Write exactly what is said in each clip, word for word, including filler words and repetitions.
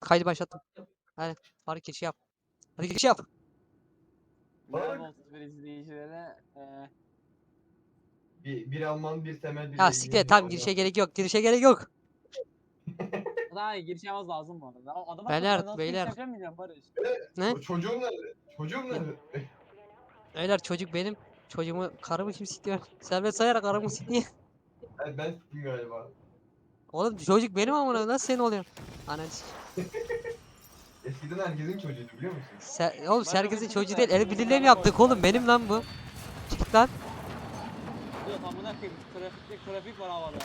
Kaydı başlattım. Hadi hareket geçiş yap. Hadi geçiş yap. Merhaba otuz bir izleyicilere. Ee, Bir, bir Alman, bir Temel, bir Ya de siktir et, İngiliz. tamam, Ondan- girişe gerek yok. Girişe gerek yok. daha iyi giriş yapmamız lazım bu arada. Ama Adam akıllı Beyler, ben nasıl beyler. giriş yapacağım bilmiyorum Barış. Ne? Ço- çocuğum nerede? Çocuğum nerede? Beyler, çocuk benim. Çocuğumu, karımı kim siktiyor? Servet sayarak karımı siktiyor. ben, ben s**tim galiba. Oğlum çocuk benim amına, nasıl senin oluyor? Ananı sik- Eskiden herkesin çocuğuydu biliyor musun? Ser oğlum Başka herkesin bir çocuğu şey değil. de- El birliğiyle mi yaptık oğlum? Benim lan bu. Çık lan. Dur amına koyayım. Trafik, trafik var havada.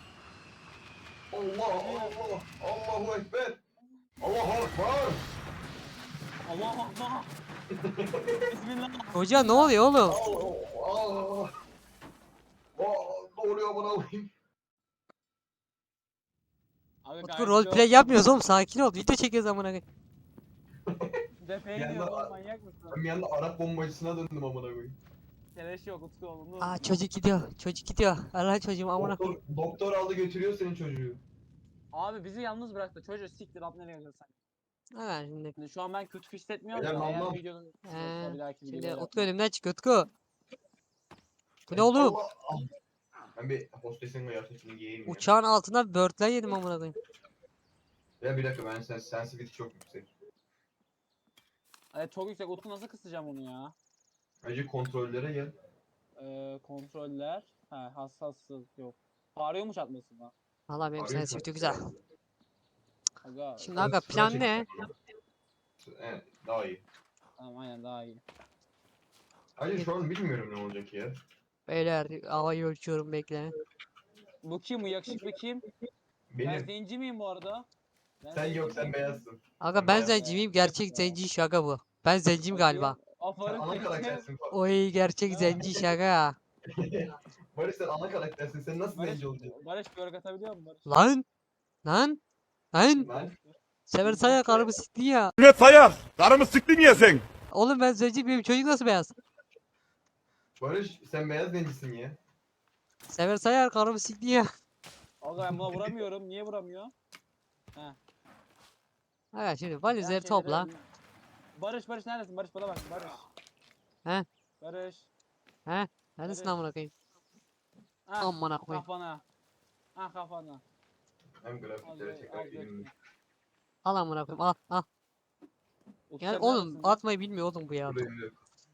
Allah Allah Allahu Ekber. Allahu Ekber. Allah Allah. Bismillah. Çocuğa ne oluyor oğlum? Allah Allah. Aa, ne oluyor bana alayım? Abi Utku gayet roleplay iyi yapmıyoruz oğlum, sakin ol. Video çekiyoruz amına koyayım. oldu. Defeye Bir gidiyoruz anda- oğlum, manyak mısın? Ben bir anda Arap bombacısına döndüm amına koyayım. Keleş yok Utku oğlum. Aa, çocuk gidiyor. Çocuk gidiyor. Allah çocuğum amına Doktor, koyayım. doktor aldı götürüyor senin çocuğu. Abi bizi yalnız bıraktı. Çocuğu siktir at nereye gidiyorsun sen? Ha şimdi. Şimdi şu an ben kötü hissetmiyorum Beyler, da eğer vallahi- videonun Ee, yoksa bir dahaki Şimdi videoda Utku önümden çık Utku. Bu ne oğlum? Allah. Ah. Ben bir hostesin kıyafetini giyeyim ya. Uçağın altında börtlen yedim amına koyayım. Ya bir dakika ben sen sensitivity çok yüksek. Evet, çok yüksek. Utku nasıl kısacağım onu ya? Önce kontrollere gel. Ee, kontroller. Ha, hassaslık yok. Bağırıyormuş atmasın lan. Valla benim Arıyor sensitivity şu güzel. an. Aga. Şimdi aga Sıra plan çek- ne? Evet daha iyi. Tamam, aynen daha iyi. Hayır şu an bilmiyorum ne olacak ya. Beyler, havayı ölçüyorum, bekle. Bu kim? Bu yakışıklı kim? Ben Benim. zenci miyim bu arada? Ben Sen zenci yok sen miyim? beyazsın. Aga Sen ben beyaz. zenci miyim? Gerçek zenci şaka bu. Ben zenciyim galiba. Sen Aferin ana seni. karaktersin. Oy, gerçek Ha. zenci şaka. Barış sen ana karaktersin. Sen nasıl Barış, zenci olacaksın? Barış görg atabiliyor musun Barış? Lan! Lan! Lan! Ben. Sever saya karımı sikti ya. Ne sayar? Karımı siktin ya sen. Oğlum ben zenci, benim çocuk nasıl beyaz? Barış sen beyaz zencisin ya. Sever sayar karımı sikti ya. Aga ben buna vuramıyorum. Niye vuramıyor? Aga şimdi Ben valizleri şeyleri- topla. Barış, Barış neredesin? Barış bana bak. Barış. He? Barış. Neredesin Barış. amına koyayım? Ah, Amına koyayım. kafana. Ah kafana. Hem Az grafiklere be- tekrar az elimle. bekle. Al amına koyayım, al al. Utku Yani sen oğlum neredesin lan? atmayı bilmiyor oğlum bu ya. Burada elimle.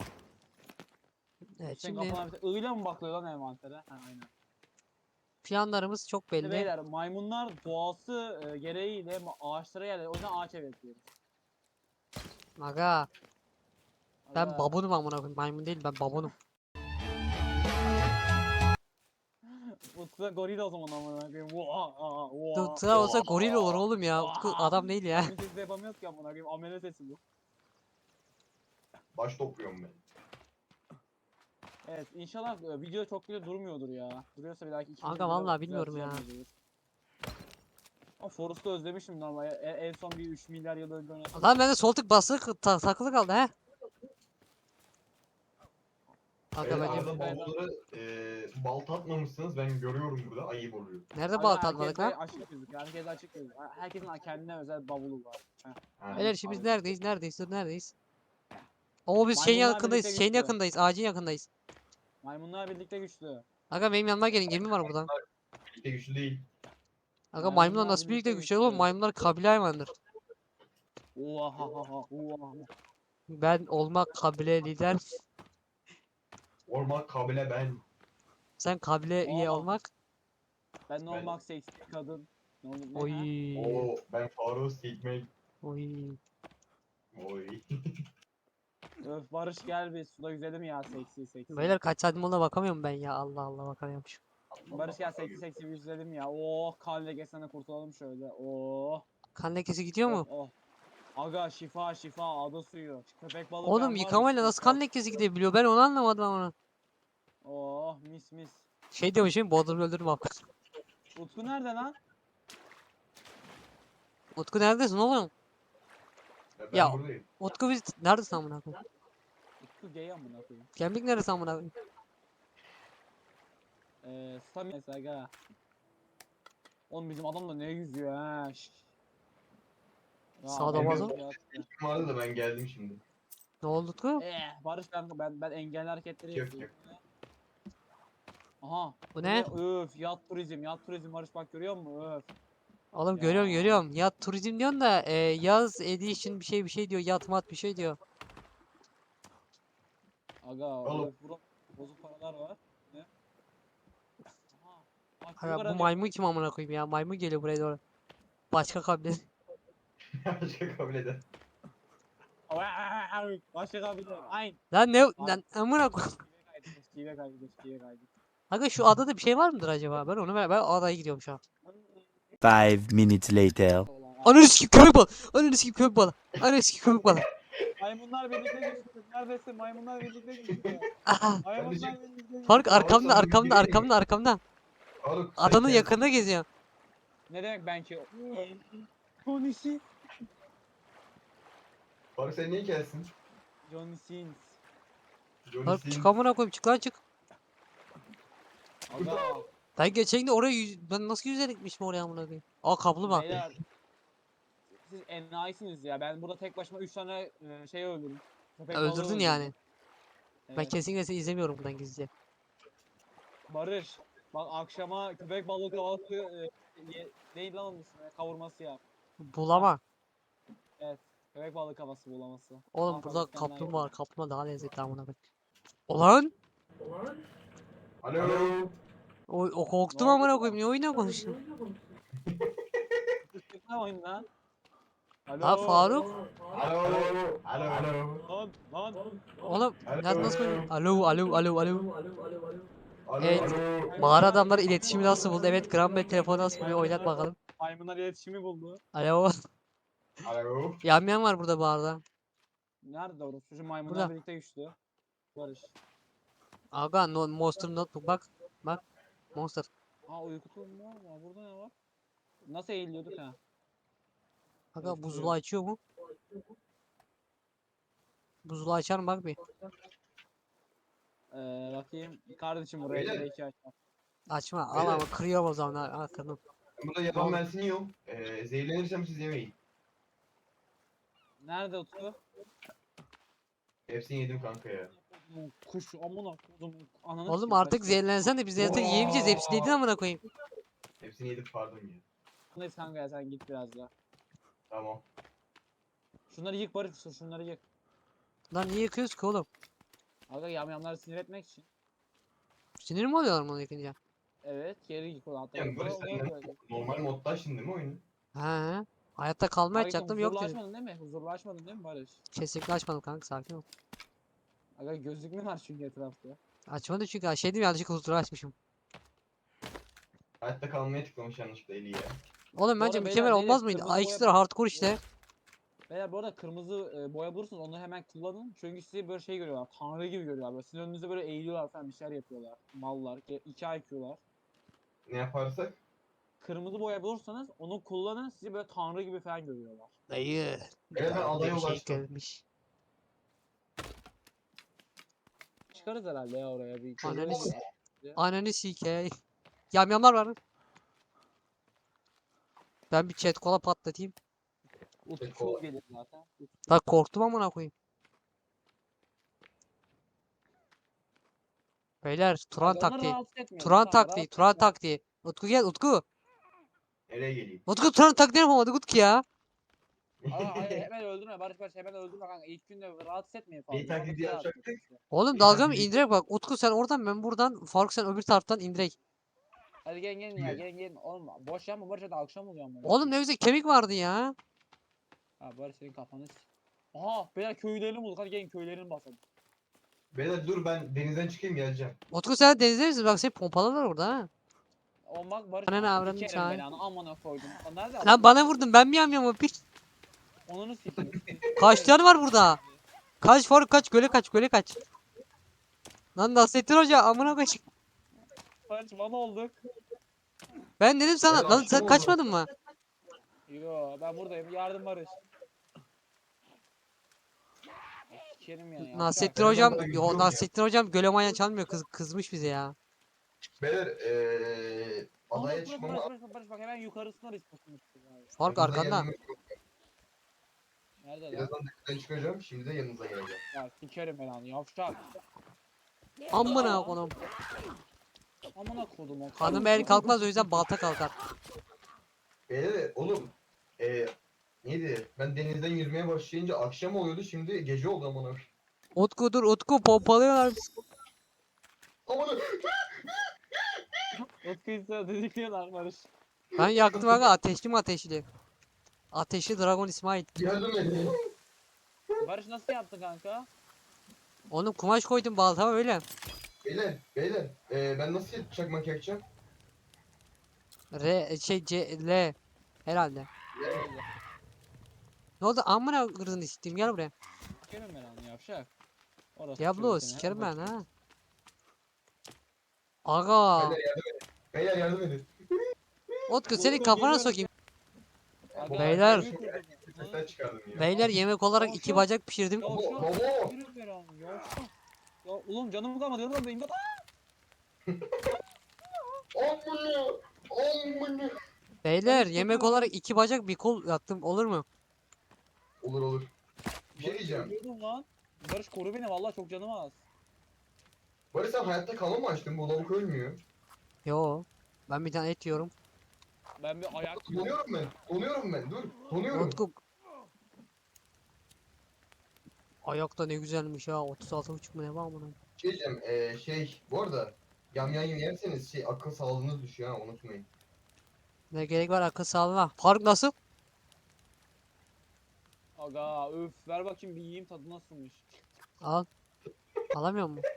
Evet, Senin şimdi kafana bir tane ığıyla mı bakıyor lan envantere? Ha, aynen. planlarımız çok Şimdi belli. beyler, maymunlar doğası e, gereğiyle ma- ağaçlara yerler. O yüzden ağaç ev yapıyoruz. Aga ben Aga, babunum amına koyayım, maymun değil, ben babunum. Utku da goril o zaman amına koyayım. Vaa, aa, vaa, Tıra olsa vaa, goril olur oğlum ya. vaa. Utku adam değil ya. Maymun sesi de yapamıyoruz ki amına koyayım. Amele sesi bu. Baş topluyorum ben. Evet, inşallah e, video çok güzel durmuyordur ya. Duruyorsa bir dahaki iki Aga videoda vallahi bilmiyorum ya. düzelteceğim videoyu. Ama Forrest'ı özlemişim normal. E- en son bir üç milyar yıl önce oynadım. Lan bende sol tık basılı ta takılı kaldı he. Aga Beyler, bence arada bavulları eee balta atmamışsınız ben görüyorum burada ayıp oluyor. nerede Aga, balta atmadık herkeste lan? açık gözük. Herkese açık gözük. Herkesin kendine özel bavulu var. Ha, Beyler şimdi biz abi. neredeyiz? Neredeyiz? Dur neredeyiz? Oo biz şeyin Maymunlar yakındayız. birlikte Şeyin güçlü. yakındayız. Ağacın yakındayız. Maymunlar birlikte güçlü. Aga benim yanıma gelin. Gemi var buradan. Birlikte güçlü değil. Aga Maymunlar maymunlar nasıl birlikte birlikte güçlü oğlum? güçlü. Maymunlar kabile hayvanıdır. Oha ha ha oha. Ben olmak kabile lider. Orman kabile ben. Sen kabile üye Oha. olmak. Ben ne Ben- olmak seksi bir kadın. Ne olur ne Oy. ha? Oo ben Faruk Sigmek. Oy. Oy. Öf Barış gel bir suda yüzelim ya seksi seksi. Beyler kaç saatim oldu bakamıyorum ben ya. Allah Allah bakamıyormuş. Barış gel seksi seksi bir yüzelim ya. Oh kan lekesinden kurtulalım şöyle. Oh. Kan lekesi gidiyor mu? Oh. oh. Aga şifa şifa ada suyu. Köpek balığı Oğlum ben var, yıkamayla mis nasıl mis kan bak. lekesi gidebiliyor? Ben onu anlamadım ama. Oh mis mis. Şey diyormuşum, Bodrum öldürme abi. Utku nerede lan? Utku neredesin oğlum? Ya ben Ya. buradayım. Utku biz neredesin amına koyayım? Utku gay amına koyayım. Gemlik neresi amına koyayım? Eee Stamines aga. Oğlum bizim adam da ne yüzüyor ha. şş. Ya, Sağda adam bazı- ya. Kim vardı da ben geldim şimdi. Ne oldu Utku? Eh, Barış ben ben ben engelli hareketleri Yok, yapıyorum. Aha. Bu ne? Öf, yat turizm, yat turizm Barış bak görüyor musun? Öf. Oğlum Ya. görüyorum görüyorum. Yat turizm diyorsun da e, yaz edition bir şey bir şey diyor. Yat mat bir şey diyor. Aga, Oğlum. öf, burada bozuk paralar var. Ne? Aha. Bak, çocuk Aga, bu aranıyor. maymun kim amına koyayım ya? Maymun geliyor buraya doğru. Başka kabile. Başka kabul eder. Başka kabile. Aynen. Lan ne lan amına koyayım. Şive kaydı, şive kaydı. Aga şu adada bir şey var mıdır acaba? Ben onu ben, ben adaya gidiyorum şu an. Five minutes later. Ananı sikeyim köpek balı. Ananı sikeyim köpek balı. Ananı sikeyim köpek balı. Maymunlar birlikte geçti. Neredesin? Maymunlar birlikte geçti. Aha. Maymunlar birlikte geçti. Fark arkamda sana bir arkamda gireyim mi? arkamda arkamda. Faruk, sen Adanın gel. yakınında geziyor. Ne demek ben ki? Konisi. Faruk sen niye gelsin? Johnny Sins. Johnny Fark Sins. çık amına koyayım çık lan çık. Aga. Ben geçen gün oraya yüz, ben nasıl yüzerek gitmişim oraya amına koyayım. Aa kaplumbağa. Beyler. Siz enayisiniz ya. Ben burada tek başıma üç tane e, şey öldürdüm. Köpek balığı Öldürdün öldürdüm. yani. Ben Evet. kesinlikle seni izlemiyorum buradan gizlice. Barış. Bak akşama köpek balığı kahvaltı e, ye- neydi lan onun ismi? Kavurması yap. Bulama. Köpek balığı kafası bulaması. Oğlum Ah, burada bak, bir tane daha kaplumbağa var. yapalım. Kaplumbağa daha lezzetli amına koyayım. Ulan Alo. o, o korktum Ne oldu amına lan? koyayım. Niye oyuna konuşuyorsun? Ne oyun lan? Alo. Ha Faruk. Alo. Alo. Alo. Lan lan. Oğlum Alo. nasıl nasıl konuşuyorsun? Alo alo alo alo. Alo. Evet. Alo. Mağara adamlar iletişimi nasıl buldu? Evet Graham Bell telefonu nasıl buluyor? Oynat bakalım. Maymunlar iletişimi buldu. Alo. Alo. Yamyam var burada mağarada. Nerede orası? Şu maymunlar Burada. birlikte güçlü. Barış. Aga no, Monster Notebook bak. Bak. Monster. Aa uyku tulumu var mı? Burada ne var? Nasıl eğiliyorduk ha? Aga Evet, buzulu buyurun. açıyor mu? Buzulu açar mı bak bir. Ee, bakayım. Kardeşim buraya Beyler. belki açar. Açma. Al Beyler. ama kırıyorum o zaman. Ha, ha, kırdım. Ben burada yaban mersini yiyorum. Ee, zehirlenirsem siz yemeyin. Nerede Utku? Hepsini yedim kanka ya. Kodumun Kuş amına kodum. Ananı Oğlum sikeyim, artık kaçtı. zehirlensen de biz zaten yiyemeyeceğiz. Hepsi dedin amına koyayım. Hepsini yedim pardon ya. Neyse kanka ya sen git biraz daha. Tamam. Şunları yık Barış. Şunları yık. Lan niye yıkıyoruz ki oğlum? Aga yamyamları sinir etmek için. Sinir mi oluyorlar bunu yıkınca? Evet geri yık ulan. Hatta Yani Barış o- o- sen o- normal modda şimdi mi oyunu? He. Hayatta kalmaya Kanka, açacaktım yok huzurlu dedim. açmadın değil mi? Huzurlu açmadın değil mi Barış? Kesinlikle açmadım kanka sakin ol. Aga gözlük mü var çünkü etrafta? Açmadım çünkü ha, şey diyeyim yanlışlıkla huzuru açmışım. Hayatta kalmaya tıklamış yanlışlıkla eli ya. Oğlum Bu bence arada mükemmel beyler, olmaz beyler, mıydı? kırmızı A boya X'ler bak- hardcore işte. Beyler bu arada kırmızı e, boya bulursanız onu hemen kullanın. Çünkü sizi böyle şey görüyorlar. Tanrı gibi görüyorlar. Böyle sizin önünüzde böyle eğiliyorlar falan bir şeyler yapıyorlar. Mallar. ge- iki I Q'lar. Ne yaparsak? Kırmızı boya bulursanız onu kullanın. Sizi böyle tanrı gibi falan görüyorlar. Dayı. Evet ben adaya Bir şey ulaştım. gelmiş. Çıkarız herhalde ya oraya bir. Ananı köşeye s- bir- Ananı sikey. Yamyamlar var. Ben bir chat kola patlatayım. Utku gelir zaten. Bak korktum amına koyayım. Beyler Turan Aga, onları taktiği. rahatsız etmeyelim, Turan tamam, taktiği. rahatsız Turan etme. taktiği. Utku gel Utku. Nereye geleyim? Utku Turan taktiğini yapamadık Utku ya. Aa, hayır, hemen öldürme Barış Barış hemen öldürme kanka. İlk günde rahatsız etmeyin fazla. Neyi taklidi Barış'ı rahatsız yapacaktık? etmeyin. Oğlum Bir dalga mı taktiği- indirek bak. Utku sen oradan ben buradan. Faruk sen öbür taraftan indirek. Hadi gelin gelin ya Evet. gelin gelin. Oğlum boş yapma Barış hadi akşam oluyor ama. Oğlum ne güzel kemik vardı ya. Ha Barış senin kafanı s- Aha beyler köylerini bulduk hadi gelin köylerini basalım. Beyler dur ben denizden çıkayım geleceğim. Utku sen denizde misin? Bak seni pompalarlar orada ha. O bak Barış Ananı aa, avradını sikerim çağır. belanı amına koydum. Lan nerede Lan adam? bana vurdun ben mi yamyamım piç? Onunu sikeyim. Kaç tane var burada? Kaç Faruk kaç göle kaç göle kaç. Lan Nasrettin Hoca amına koyayım. Barış bana olduk. Ben dedim sana Evet, lan akşam sen oldu. kaçmadın mı? Yo ben buradayım yardım Barış. Sikerim yani. yapacak Nasrettin Ben hocam orada yo gidiyorum ya. Nasrettin hocam göle maya çalmıyor kız kızmış bize ya. Beyler eee Barış, adaya Barış, çıkmam Barış, lazım. Barış, Barış bak hemen yukarısına risk Faruk Burada arkanda. geldim. Nerede lan? Birazdan dışarı çıkacağım. Şimdi de yanınıza geleceğim. Ya sikerim ben onu yavşak. Amına konum. Amına kodum o. Hanım el kalkmaz o yüzden balta kalkar. Beyler oğlum. Eee neydi? Ben denizden yüzmeye başlayınca akşam oluyordu. Şimdi gece oldu amına. Utku dur Utku pompalıyorlar. Amına. Utku'yu sana dedikliyorlar Barış. Ben yaktım aga ateşli mi ateşli? Ateşli Dragon İsmail. Yardım edin. Barış nasıl yaptı kanka? Oğlum kumaş koydum baltama öyle. Beyler, beyler. Eee ben nasıl çakmak yakacağım? R şey C L herhalde. Ne oldu amına kırdın isteyeyim gel buraya. Sikerim ben onu yavşak. Orası Diablo çocuğu seni, sikerim ben ufacık. ha. Aga. Beyler yardım edin. Beyler yardım edin. Utku senin kafana sokayım. Aga, Beyler. gemi kurdum. Sesler çıkardım ya. Beyler yemek olarak iki bacak pişirdim. Ya Baba, şu- baba. Yürü ver onu, yavşak. Ya oğlum canım kalmadı yanımda benim. Amına. Amına. Beyler Barış yemek kokuyor. olarak iki bacak bir kol yaptım olur mu? Olur olur. Bir şey diyeceğim. Ölüyordum lan. Barış koru beni vallahi çok canım az. Barış sen hayatta kalma mı açtın? Bu lavuk ölmüyor. Yo. Ben bir tane et yiyorum. Ben bir ayak yiyorum. Donuyorum ben. Donuyorum ben. Dur. Donuyorum. Utku. Ayakta ne güzelmiş ha. otuz altı buçuk mu ne var bunun? Şey diyeceğim. Eee şey. Bu arada. Yamyam yerseniz şey akıl sağlığınız düşüyor ha unutmayın. Ne gerek var akıl sağlığına. Faruk nasıl? Aga öf ver bakayım bir yiyeyim tadı nasılmış. Al. Alamıyor mu?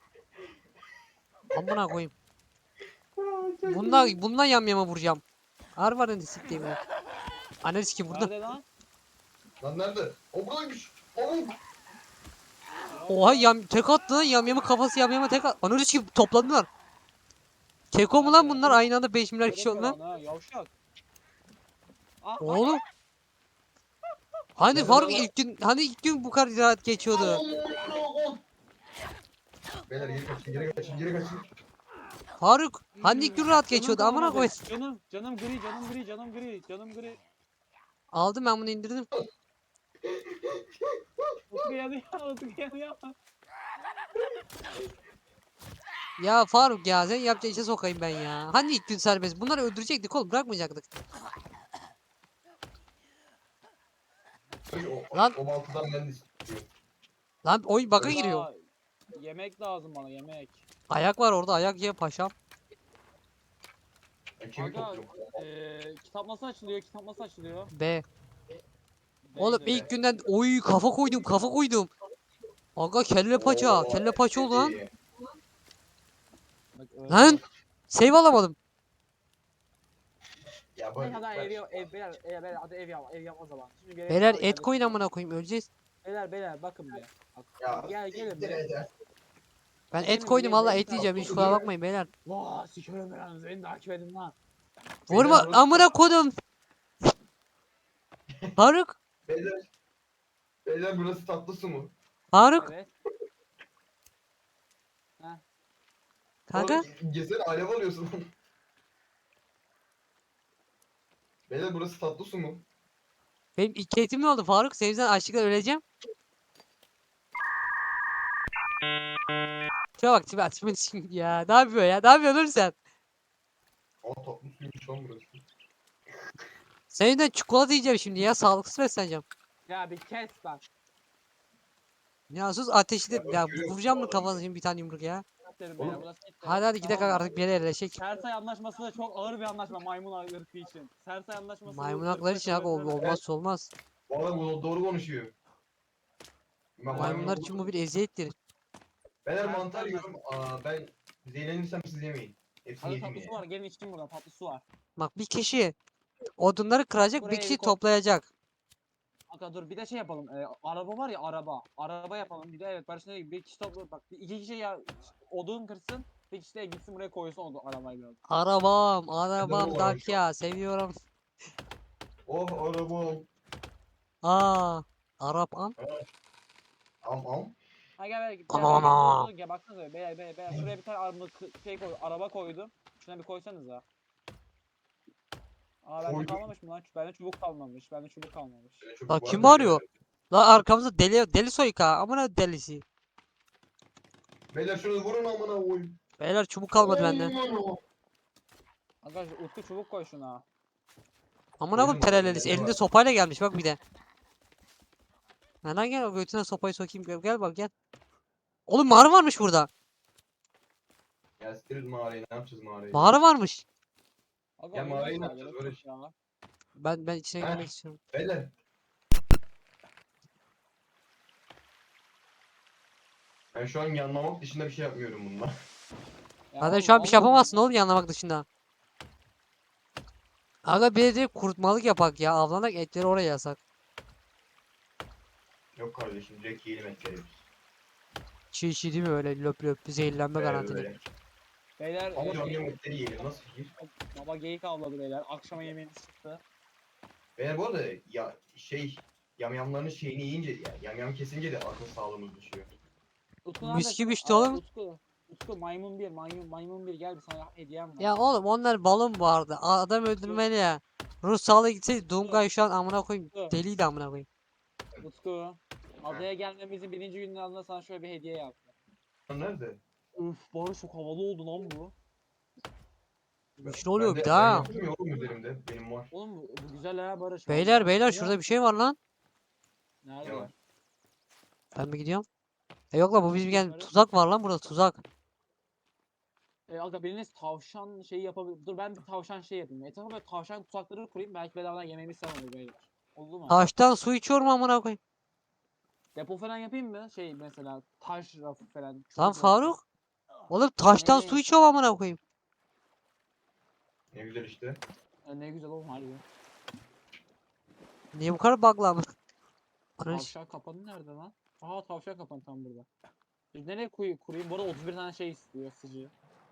Amına koyayım. Bundan bundan yamyama vuracağım. Harvar'ın siktiğim ya. Analiz ki burada. Nerede lan? Lan nerede? O buradaymış. Oğlum. Oha yam tek attı lan yamyamın kafası yamyama tek attı. Analiz ki topladılar. Keko mu lan bunlar aynı anda beş milyar kişi Göremiyorum oldu lan. lan ha, yavşak. Aa, Oğlum. Hani Nerede Faruk lan? ilk gün hani ilk gün bu kadar rahat geçiyordu. Beyler geri kaçın geri kaçın geri kaçın. Faruk hani ilk gün rahat Canım geçiyordu amına kalmadı. koy. Canım, canım gri, canım gri, canım gri, canım gri. Aldım ben bunu indirdim. Utku yanıyor, Utku yanıyor. Ya Faruk ya sen yapacağın işe sokayım ben ya. Hani ilk gün serbest. Bunları öldürecektik oğlum bırakmayacaktık. O, Lan. o baltadan ben de istiyorum. Lan oyun baka Aga, giriyor. Yemek lazım bana, yemek. Ayak var orada ayak ye paşam. Ben kemik Aga, topluyorum. eee kitap nasıl açılıyor, kitap nasıl açılıyor? B. Oğlum Neydi? ilk günden oy kafa koydum kafa koydum. Aga kelle paça Oo, kelle paça oldu lan. iyi. Bak, öyle. Lan save alamadım. Ya Ne bak. kadar ev, bak. ev, ev, beyler, ev, beyler, hadi ev yap, ev yap o zaman. Şimdi gerek Beyler var, et yani. koyun amına koyayım öleceğiz. Beyler, beyler bakın bir. Bak, Ya, gel gelin siktir bir. eder. Ben Gelin et bir, koydum gelin, valla gelin. et yiyeceğim hiç kusura bakmayın beyler. Vaa sikerim ben anasını, beni takip edin lan. Vurma Beyler, amına koydum. Faruk. Beyler. Beyler burası tatlı su mu? Faruk. Evet. Kanka. Oğlum, Gezene alev alıyorsun. Beyler burası tatlı su mu? Benim iki etim ne oldu Faruk? Senin yüzünden açlıktan öleceğim. Şuna bak tipi atımın ya. Ne yapıyor ya? Ne yapıyorsun oğlum sen? Aa tatlı suymuş lan burası. Senin yüzünden çikolata yiyeceğim şimdi ya. Sağlıksız besleneceğim. Ya bir kes lan. Ya sus ateşli Ya ya bakıyorum vuracağım bu mı adamı. kafasına şimdi bir tane yumruk ya. Derim Oğlum. ya, burası gitti. Hadi hadi gidelim Tamam mı? artık bir yere yerleşek. Sersay anlaşması da çok ağır bir anlaşma maymun ırkı için. Sersay anlaşması Maymun bu hakları ırkı için abi ol- savaşları- olmazsa olmaz. Bu adam bu- doğru konuşuyor. Ben Maymunlar için bu bir eziyettir. Beyler Ben- mantar ben- yiyorum. Aa ben zehirlenirsem siz yemeyin. Hepsini Hadi yedim tatlı su ya. var, gelin içkin buradan tatlı su var. Bak bir kişi odunları kıracak bir Buraya kişi bir koy. toplayacak. Aga dur bir de şey yapalım. Ee, araba var ya araba. Araba yapalım. Bir de evet Barış ne bir kişi topla bak bir- iki kişi ya odun kırsın. Bir kişi de gitsin buraya koysun o arabayı biraz. Arabam arabam var Dacia seviyorum. Oh arabam. Aa Arabam. Am am. Ha gel gel. Ama Gel, ama. gel, gel baksanıza beyler beyler beyler. Şuraya bir tane araba şey koy araba koydum. Şuna bir koysanıza. Aa bende Koydum. kalmamış mı lan? Bende çubuk kalmamış. Bende çubuk kalmamış. Şöyle çubuk Bak var kim da- arıyor? La arkamızda deli deli soyka. Amına delisi. Beyler şunu vurun amına koyayım. Beyler çubuk kalmadı bende. Arkadaşlar Utku çubuk koy şuna. Amına koyayım Koydum abi, terelelisi. bende Elinde var. sopayla gelmiş bak bir de. Hemen gel o götüne sopayı sokayım. Gel, gel bak gel. Oğlum mağara varmış burada. Ya siktir mağarayı, ne yapacağız mağarayı? Mağara varmış. Aga, Ya oynaş mağarayı ne ya, yapacağız gerek Barış? yok ya. Ben ben içine Heh. girmek istiyorum. Beyler. Ben şu an yanlamak dışında bir şey yapmıyorum bununla. Ya Zaten oğlum, şu an bir şey Allah'ım yapamazsın ya. oğlum yanlamak dışında. Aga bir de kurutmalık yapak ya. Avlanak etleri oraya yasak. Yok kardeşim, direkt yiyelim etleri. Çiğ çiğ değil mi öyle löp löp zehirlenme Böyle garantili. böyle. Beyler Ama e, yam yam geyik- etleri yiyelim, nasıl fikir? baba geyik avladı beyler. Akşama yemeğimiz çıktı. Beyler bu arada ya şey, yamyamların şeyini yiyince, ya yamyam kesince de akıl sağlığımız düşüyor. Utku Mis neredesin? gibi işte Aa, oğlum. Utku. Utku maymun bir maymun maymun bir gel bir sana hediyem var. Ya oğlum onlar balon vardı. Adam öldürmeli ya. Rus sağlığı gitseydi Dungay şu an amına koyayım. Dur. Deliydi amına koyayım. Utku. Adaya gelmemizin birinci gününün ardından sana şöyle bir hediye yaptım. Lan nerede? Üf Barış çok havalı oldu lan bu. Güçlü oluyor Ben bir de- daha. Ben yaptım ya oğlum üzerimde, benim var. Oğlum bu, bu güzel ha Barış. Beyler vallahi. beyler Ama- şurada bir şey var lan. Nerede? Ne var? Ben mi gidiyorum? E yok lan bu bizim gel Yukarı. tuzak var lan burada tuzak. E, aga biriniz tavşan şeyi yapabilir. Dur ben bir tavşan şey yapayım. Etrafa böyle tavşan tuzakları kurayım. Belki bedavadan yemeğimiz sen olur beyler. Oldu mu? Taştan su içiyorum amına koyayım. Depo falan yapayım mı? Şey mesela taş rafı falan. Lan çubuk rafı. Faruk. Oğlum taştan Ne? su içiyorum amına koyayım. Ne güzel işte. E, ne güzel oğlum harbi. Niye bu kadar bug'lı amına? Ananı s- Tavşan kapanı nerede lan? Aha tavşan kapanı tam burada. Biz nereye koy kurayım? Bu arada otuz bir tane şey istiyor sıcı.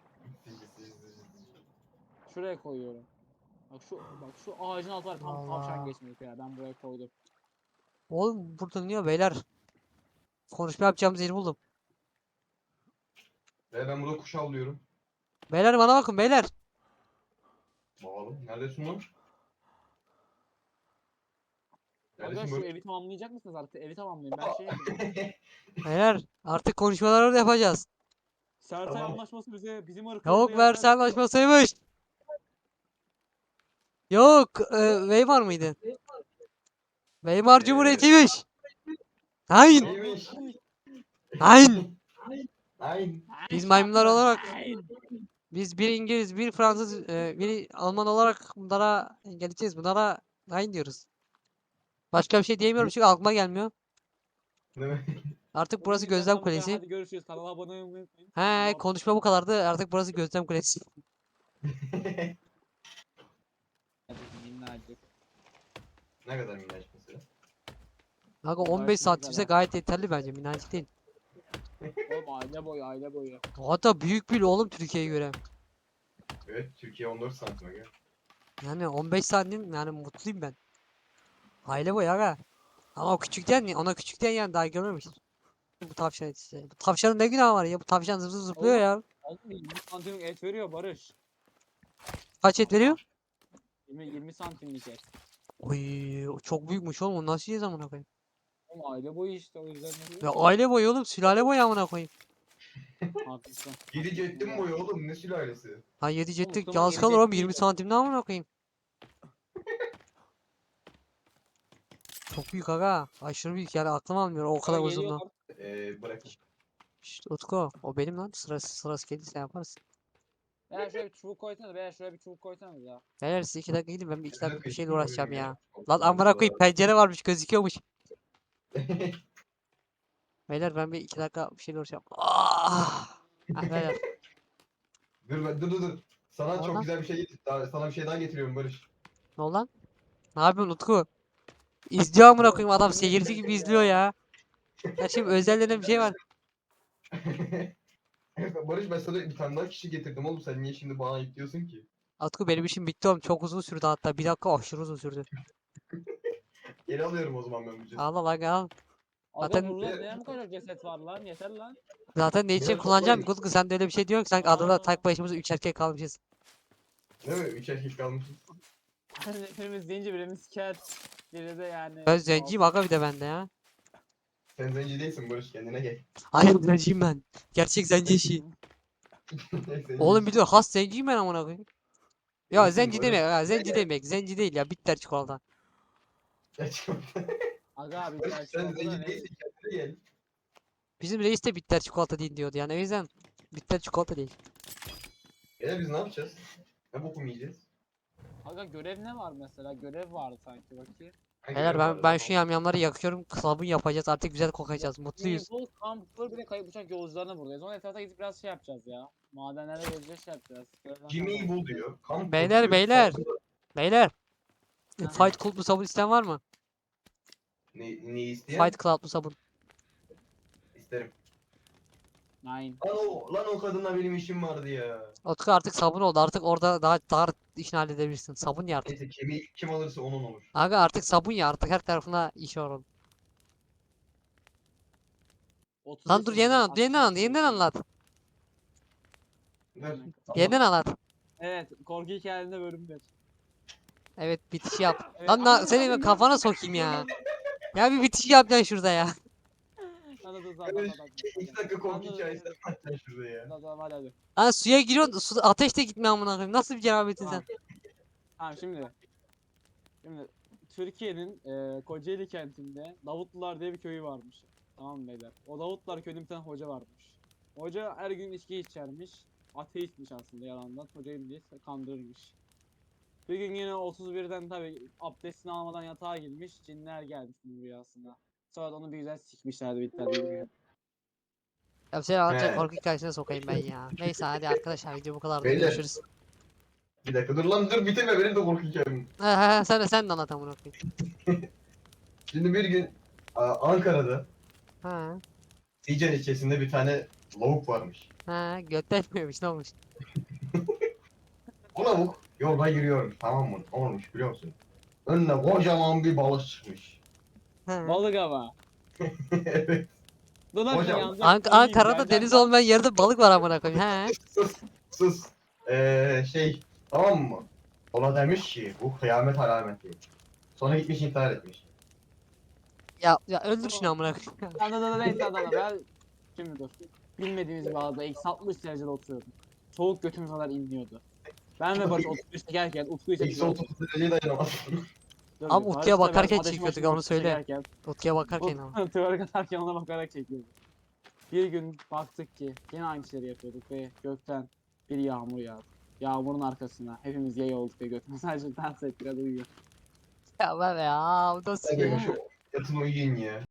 Şuraya koyuyorum. Bak şu bak şu ağacın altı var tam tavşan Allah. geçmiyor ya ben buraya koydum. Oğlum burada niye beyler? Konuşma yapacağımız yeri buldum. Ve ben burada kuş avlıyorum. Beyler bana bakın beyler. Bakalım. Neredesin lan? Aga Neredesin şu böyle? evi tamamlayacak mısınız artık? Evi tamamlayın. Ben şey yapayım. Beyler artık konuşmaları orada yapacağız. Sersay Tamam. anlaşması bize bizim ırkımızda Yok yazar- Versailles anlaşmasıymış. Yok e, Weimar mıydı? Weimar Ee, Cumhuriyeti'ymiş. Hain. Neymiş? Hain. Ay. Biz maymunlar olarak Hain. biz bir İngiliz, bir Fransız, e, bir Alman olarak bunlara geleceğiz. Bunlara hain diyoruz. Başka bir şey diyemiyorum çünkü aklıma gelmiyor. Ne mi? Artık burası Bugün Gözlem videomuz bu kadar. Kulesi. Hadi görüşürüz. Kanala abone olmayı unutmayın. He Allah'a- konuşma bu kadardı. Artık burası Gözlem Kulesi. Minnacık. Ne kadar minnaç mesela? Kanka Gayet on beş güzel santimse ha. gayet yeterli bence. Minnacık değil. Oğlum aile boyu aile boyu. Hatta büyük bile oğlum Türkiye'ye göre. Evet, Türkiye on dört santime gel. Yani on beş santim yani mutluyum ben. Aile boyu aga. Ama o küçükten ona küçükten yani daha görmemiş. Bu tavşan işte. Bu tavşanın ne günahı var ya? Bu tavşan zıp zıp zıplıyor Oğlum. ya. Oğlum yirmi santimlik et veriyor Barış. Kaç et veriyor? yirmi, yirmi santimlik et. Oy, o çok büyükmüş oğlum. Onu nasıl yiyeceğiz amına koyayım? Oğlum aile boyu işte o yüzden ne Ya diyor? aile boyu oğlum, sülale boyu amına koyayım. Haklısın. Yedi cettim boyu oğlum, ne sülalesi? Ha yedi cetlik Mustafa yaz yedi kalır oğlum cetlik yirmi de. santim ne amına koyayım. Çok büyük aga. Aşırı büyük yani aklım almıyor o kadar Aga uzunluğu. geliyorlar. Eee bırak. Şşt Utku o benim lan sırası sırası gelirse yaparız. Beyler şuraya bir çubuk koysana. Beyler şuraya bir çubuk koysanız ya. Beyler siz iki dakika gidin ben bir iki dakika bir şeyle Güzel uğraşacağım oyun ya. Allah Lan amına koyayım Allah. pencere varmış gözüküyormuş. Beyler ben bir iki dakika bir şeyle uğraşacağım. Ah! Ha, beyler. Dur ben dur dur dur. Sana Oradan. çok güzel bir şey getir. Daha, sana bir şey daha getiriyorum Barış. Ne oldu lan? Ne yapıyorsun Utku? İzliyor amına Oğlum, koyayım adam yemin seyirci ederim gibi ya. izliyor ya. Ya şimdi özel denen bir şey var. Barış ben sana bir tane daha kişi getirdim oğlum, sen niye şimdi bana ayıp diyorsun ki? Utku benim işim bitti oğlum çok uzun sürdü hatta bir dakika aşırı uzun sürdü. Geri alıyorum o zaman ben bu cesedi. Al al al al. Aga Zaten- burada neye bu kadar ceset var lan? Yeter lan. Zaten ne için Biraz kullanacağım toplayın. Utku sen de öyle bir şey diyorsun ki sanki adada Aa. tek başımıza üç erkek kalmışız. Değil mi? Üç erkek kalmışız. Birimiz zenci birimiz cat. Biri de yani. Ben zenciyim aga bir de bende ya. Sen zenci değilsin Barış, kendine gel. Hayır zenciyim ben. Gerçek zenci işi. Zenci Oğlum değilsin. biliyor has zenciyim ben amına koyayım. Ya Değilsin zenci Barış. demek ya zenci demek zenci değil ya bitter çikolata. Gerçekten. Aga abi Barış sen sen çikolata zenci ne? değilsin, kendine gel. Bizim reis de bitter çikolata değil diyordu yani o yüzden bitter çikolata değil. Beyler biz ne yapacağız? Ne bokum yiyeceğiz? Aga görev ne var mesela? Görev vardı sanki bakayım. Hangi Beyler görev ben vardı? ben şu yamyamları yakıyorum sabun yapacağız artık güzel kokacağız mutluyuz. Naval Camper bir de kayıp uçak yolcularına buradayız. Onun etrafına gidip biraz şey yapacağız ya. Madenlere gezeceğiz şey yapacağız. Görevden Jimmy'yi sonra- bul diyor. Kamp Beyler, diyor. beyler. Saldırı- Beyler Aha. Fight Club'lu sabun isteyen var mı? Ne, ne isteyen? Fight Club'lu sabun. İsterim. Nine. Lan o, lan o kadınla benim işim vardı ya. Utku artık sabun oldu artık orada daha daha işini halledebilirsin. Sabun ya artık. Neyse kemiği kim alırsa onun olur. Aga artık sabun ya artık her tarafına iş var onun. otuz Lan dur beş yeniden yazıyor, anlat yeniden anlat yeniden anlat. Ver. Yeniden anlat. Evet, korku hikayelerinde bölüm bir. Evet bitiş yap. Evet, Lan ama- na, seni ben kafana sokayım ya. Ya bir bitiş yapacaksın şurada ya. Anladın zaten. Evet, İki dakika korku Anladım. hikayesi anlatacaksın şurada ya. Tamam hadi hadi. Lan suya giriyorsun su, ateş de gitmiyor amına koyayım. Nasıl bir cerabetin sen? Tamam. Tamam şimdi. Şimdi Türkiye'nin e, Kocaeli kentinde Davutlular diye bir köyü varmış. Tamam mı beyler? O Davutlar köyünde bir tane hoca varmış. Hoca her gün içki içermiş. Ateistmiş aslında yalandan. Hocayım diye kandırırmış. Bir gün yine otuz birden tabi abdestini almadan yatağa girmiş. Cinler gelmiş bunun rüyasında. Sonra da onu bir güzel sikmişlerdi bitler gibi. Ya seni anlatacak He. korku hikayesine sokayım ben ya. Neyse hadi arkadaşlar video bu kadar Beyler. görüşürüz. Bir dakika dur lan dur bitirme benim de korku hikayem. He he he sen de sen de anlat amına koyayım. Şimdi bir gün a, Ankara'da Ha Sican ilçesinde bir tane lavuk varmış. ha götletmiyormuş ne olmuş? Bu lavuk yolda yürüyormuş, tamam mı? Ne olmuş biliyor musun? Önüne kocaman bir balık çıkmış. Ha. Balık ama. Evet. Dur lan Hocam, yanacak, Ank söyleyeyim, Ankara'da yanacak deniz lan. olmayan yerde balık var amına koyayım. He. Sus sus. Ee, şey tamam mı? Ona demiş ki bu kıyamet alameti. Sonra gitmiş intihar etmiş. Ya ya öldür şunu amına koyayım. Dur dur dur neyse dur dur ben şimdi dur. Bilmediğimiz bir adada eksi altmış derecede oturuyorduk. Soğuk götümüz kadar inliyordu. Ben ve Barış otuz beş çekerken Utku ise Eksi otuz dereceye dayanamaz. Dur, Ama Barış Utku'ya da ben bakarken ateş çekiyorduk, başında onu otuz söyle. çekerken, Utku'ya bakarken ama. Utku tuvara atarken ona bakarak çekiyorduk. Bir gün baktık ki yine aynı şeyleri yapıyorduk ve gökten bir yağmur yağdı. Yağmurun arkasına hepimiz yay olduk ve götümüz sadece dans ettik hadi uyuyor. Ya ben ya bu nasıl Hadi ya? şu yatın uyuyun ya.